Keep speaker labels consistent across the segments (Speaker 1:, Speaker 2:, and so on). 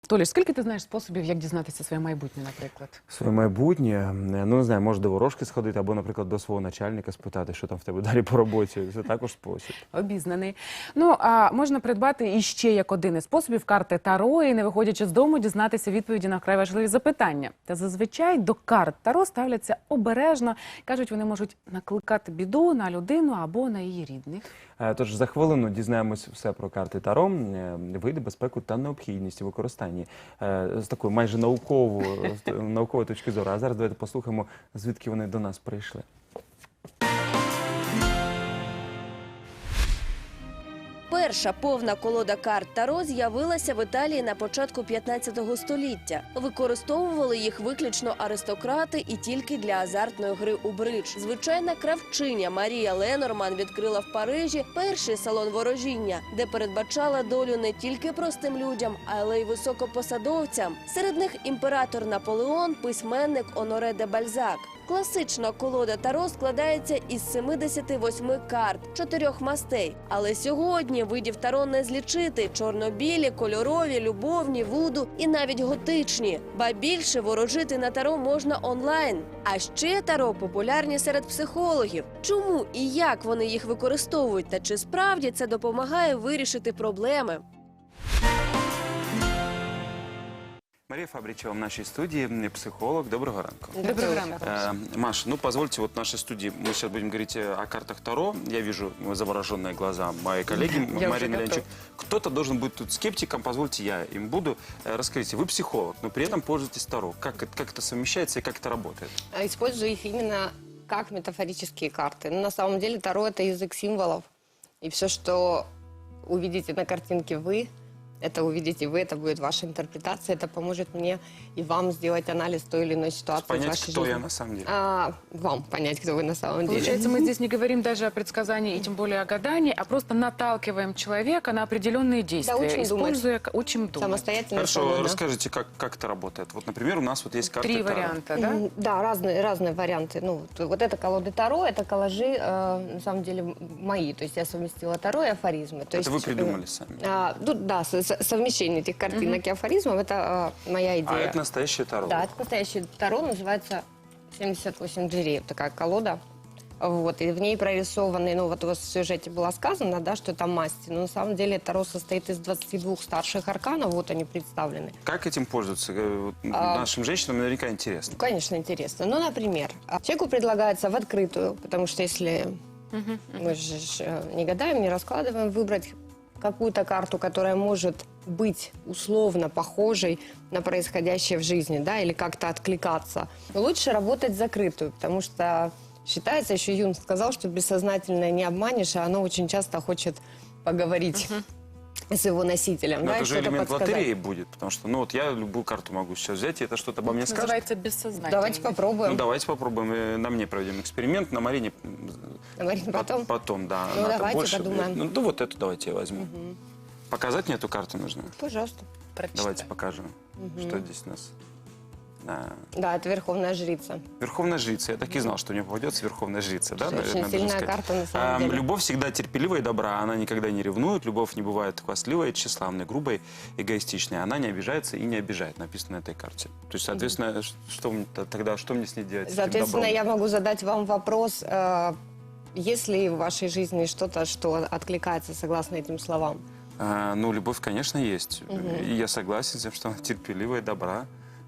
Speaker 1: Толі, скільки ти знаєш способів, як дізнатися своє майбутнє, наприклад?
Speaker 2: Своє майбутнє, ну не знаю, може до ворожки сходити, або, наприклад, до свого начальника спитати, що там в тебе далі по роботі. Це також спосіб.
Speaker 1: Обізнаний. Ну, а можна придбати іще як один із способів карти Таро і, не виходячи з дому, дізнатися відповіді на вкрай важливі запитання. Та зазвичай до карт Таро ставляться обережно. Кажуть, вони можуть накликати біду на людину або на її рідних.
Speaker 2: Тож за хвилину дізнаємось все про карти Таро, види, безпеку та необхідність у використанні з такої майже наукової точки зору. А зараз давайте послухаємо, звідки вони до нас прийшли.
Speaker 3: Перша повна колода карт Таро з'явилася в Італії на початку 15 століття. Використовували їх виключно аристократи і тільки для азартної гри у бридж. Звичайна кравчиня Марія Ленорман відкрила в Парижі перший салон ворожіння, де передбачала долю не тільки простим людям, але й високопосадовцям. Серед них імператор Наполеон, письменник Оноре де Бальзак. Класична колода Таро складається із 78 карт, 4 мастей. Але сьогодні видів Таро не злічити – чорно-білі, кольорові, любовні, вуду і навіть готичні. Ба більше, ворожити на Таро можна онлайн. А ще Таро популярні серед психологів. Чому і як вони їх використовують та чи справді це допомагає вирішити проблеми?
Speaker 2: Мария Фабричева в нашей студии, психолог. Доброго ранку.
Speaker 1: Доброго ранку.
Speaker 2: Маша, ну позвольте, вот в нашей студии мы сейчас будем говорить о картах Таро. Я вижу завороженные глаза моей коллеги Марины Ленчик. Кто-то должен быть тут скептиком, позвольте я им буду. Расскажите, вы психолог, но при этом пользуетесь Таро. Как это совмещается и как это работает?
Speaker 4: Использую их именно как метафорические карты. Но на самом деле Таро – это язык символов. И все, что увидите на картинке вы, это увидите вы, это будет ваша интерпретация, это поможет мне и вам сделать анализ той или иной ситуации в
Speaker 2: Понять,
Speaker 4: вашей
Speaker 2: кто
Speaker 4: жизни.
Speaker 2: я на самом деле.
Speaker 4: Вам понять, кто вы на самом деле.
Speaker 1: Получается, мы здесь не говорим даже о предсказании и тем более о гадании, а просто наталкиваем человека на определенные действия,
Speaker 4: учим
Speaker 1: используя, учим думать.
Speaker 4: Самостоятельно.
Speaker 2: Хорошо,
Speaker 4: самой, да.
Speaker 2: расскажите, как это работает. Вот, например, у нас вот есть карты
Speaker 1: Три
Speaker 2: Таро.
Speaker 1: варианта, да?
Speaker 4: Да, разные варианты. Ну, вот это колоды Таро, это коллажи, на самом деле, мои. То есть я совместила Таро и афоризмы. То
Speaker 2: Это
Speaker 4: есть,
Speaker 2: вы придумали сами.
Speaker 4: Да, совмещение этих картинок и афоризмов, это моя идея.
Speaker 2: А это настоящее Таро?
Speaker 4: Да, это настоящее Таро, называется 78 дверей, вот такая колода. Вот, и в ней прорисованы, ну вот у вас в сюжете было сказано, да, что это масти, но на самом деле Таро состоит из 22 старших арканов, вот они представлены.
Speaker 2: Как этим пользоваться? Нашим женщинам наверняка интересно.
Speaker 4: Конечно, интересно. Ну, например, человеку предлагается в открытую, потому что если мы же не гадаем, не раскладываем, выбрать какую-то карту, которая может быть условно похожей на происходящее в жизни, да, или как-то откликаться. Но лучше работать закрытую, потому что считается, еще Юнг сказал, что бессознательное не обманешь, а оно очень часто хочет поговорить с его носителем.
Speaker 2: Но
Speaker 4: да,
Speaker 2: это
Speaker 4: и
Speaker 2: же
Speaker 4: что-то
Speaker 2: элемент
Speaker 4: подсказать.
Speaker 2: лотереи будет, потому что, ну вот я любую карту могу сейчас взять, и это что-то обо мне скажет.
Speaker 1: Называется бессознательно.
Speaker 4: Давайте попробуем.
Speaker 2: Ну давайте попробуем, на мне проведем эксперимент, на Марине
Speaker 4: Говорим потом.
Speaker 2: потом, да.
Speaker 4: Ну,
Speaker 2: она-то
Speaker 4: давайте
Speaker 2: больше
Speaker 4: подумаем.
Speaker 2: влияет. Ну вот эту давайте я возьму. Показать мне эту карту нужно?
Speaker 4: Пожалуйста.
Speaker 1: Прочитай.
Speaker 2: Давайте покажем, что здесь у нас.
Speaker 4: Да, это Верховная Жрица.
Speaker 2: Верховная жрица. Я так и знал, что мне попадется Верховная жрица. Да,
Speaker 4: Очень
Speaker 2: наверное,
Speaker 4: сильная
Speaker 2: должен сказать.
Speaker 4: карта на самом деле.
Speaker 2: Любовь всегда терпелива и добра. Она никогда не ревнует. Любовь не бывает хвастливой, тщеславной, грубой, эгоистичной. Она не обижается и не обижает, написано на этой карте. То есть, соответственно, тогда что мне с ней делать? с этим
Speaker 4: Соответственно,
Speaker 2: добром?
Speaker 4: я могу задать вам вопрос, есть ли в вашей жизни что-то, что откликается согласно этим словам?
Speaker 2: Ну, любовь, конечно, есть. И я согласен с тем, что она терпелива и добра.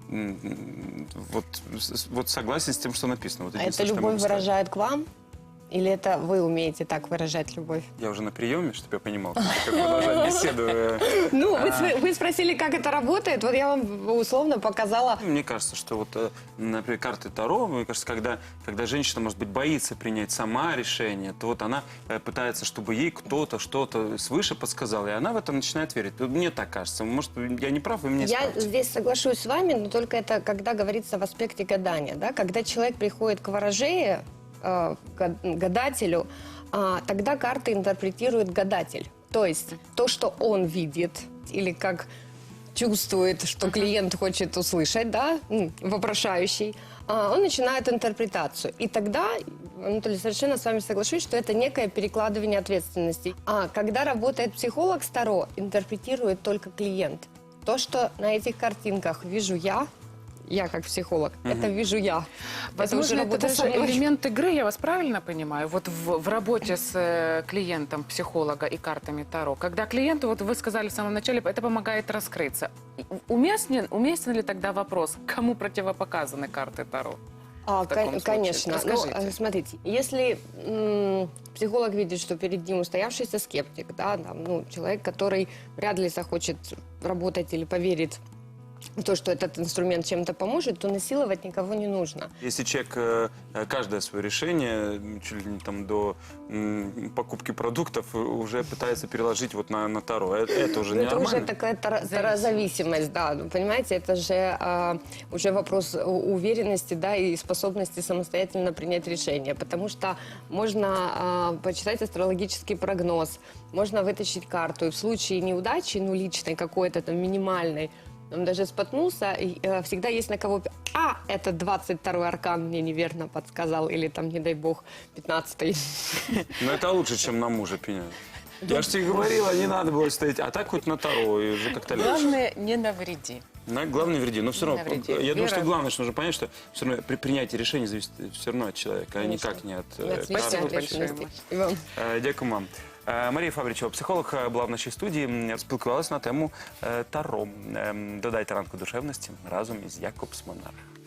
Speaker 2: Вот согласен с тем, что написано. Вот
Speaker 4: А эта
Speaker 2: единственное, что я
Speaker 4: любовь
Speaker 2: могу сказать.
Speaker 4: выражает к вам? Или это вы умеете так выражать любовь?
Speaker 2: Я уже на приеме, чтобы я понимал, как продолжать беседу.
Speaker 4: Ну, вы спросили, как это работает, вот я вам условно показала.
Speaker 2: Мне кажется, что вот, например, карты Таро, мне кажется, когда женщина, может быть, боится принять сама решение, то вот она пытается, чтобы ей кто-то что-то свыше подсказал, и она в это начинает верить. Мне так кажется. Может, я не прав, вы меня
Speaker 4: Я
Speaker 2: исправите.
Speaker 4: здесь соглашусь с вами, но только это когда говорится в аспекте гадания. Да? Когда человек приходит к ворожее, к гадателю, тогда карты интерпретирует гадатель. То есть то, что он видит, или как чувствует, что клиент хочет услышать, да, вопрошающий, он начинает интерпретацию. И тогда, Анатолий, совершенно с вами соглашусь, что это некое перекладывание ответственности. А когда работает психолог с Таро, интерпретирует только клиент. То, что на этих картинках вижу я как психолог, это вижу я.
Speaker 1: Возможно, это
Speaker 4: работа
Speaker 1: даже
Speaker 4: со мной.
Speaker 1: элемент игры, я вас правильно понимаю? Вот в работе с клиентом, психолога и картами Таро. Когда клиенту, вот вы сказали в самом начале, это помогает раскрыться. Уместен ли тогда вопрос, кому противопоказаны карты Таро? в таком случае?
Speaker 4: Конечно.
Speaker 1: Расскажите.
Speaker 4: Ну, смотрите, если психолог видит, что перед ним устоявшийся скептик, да, там, ну, человек, который вряд ли захочет работать или поверит в то, что этот инструмент чем-то поможет, то насиловать никого не нужно.
Speaker 2: Если человек каждое свое решение, чуть ли не там до покупки продуктов, уже пытается переложить вот на Таро, это уже не
Speaker 4: Это
Speaker 2: нормально.
Speaker 4: уже такая тарозависимость, да. Ну, понимаете, это же уже вопрос уверенности, да, и способности самостоятельно принять решение. Потому что можно почитать астрологический прогноз, можно вытащить карту, и в случае неудачи, ну, личной какой-то там минимальной, он даже споткнулся, и, всегда есть на кого... это 22-й аркан мне неверно подсказал, или там, не дай бог, 15-й.
Speaker 2: Но это лучше, чем на мужа пенять. Я же тебе говорила, не надо было стоять. А так хоть на Таро, и уже как-то легче.
Speaker 1: Главное, не навреди.
Speaker 2: Главное, вреди. Но все равно,
Speaker 1: навреди.
Speaker 2: я думаю, что
Speaker 1: Вера.
Speaker 2: главное, что нужно понять, что все равно при принятии решений зависит все равно от человека, а никак не от
Speaker 4: Спасибо
Speaker 1: Спасибо
Speaker 2: карты.
Speaker 1: большое.
Speaker 4: І вам.
Speaker 2: Дякую вам. Марія Фабричова, психолог, була в нашій студії, спілкувалася на тему Таро. Додайте ранку душевності разом із Якобс Монарх.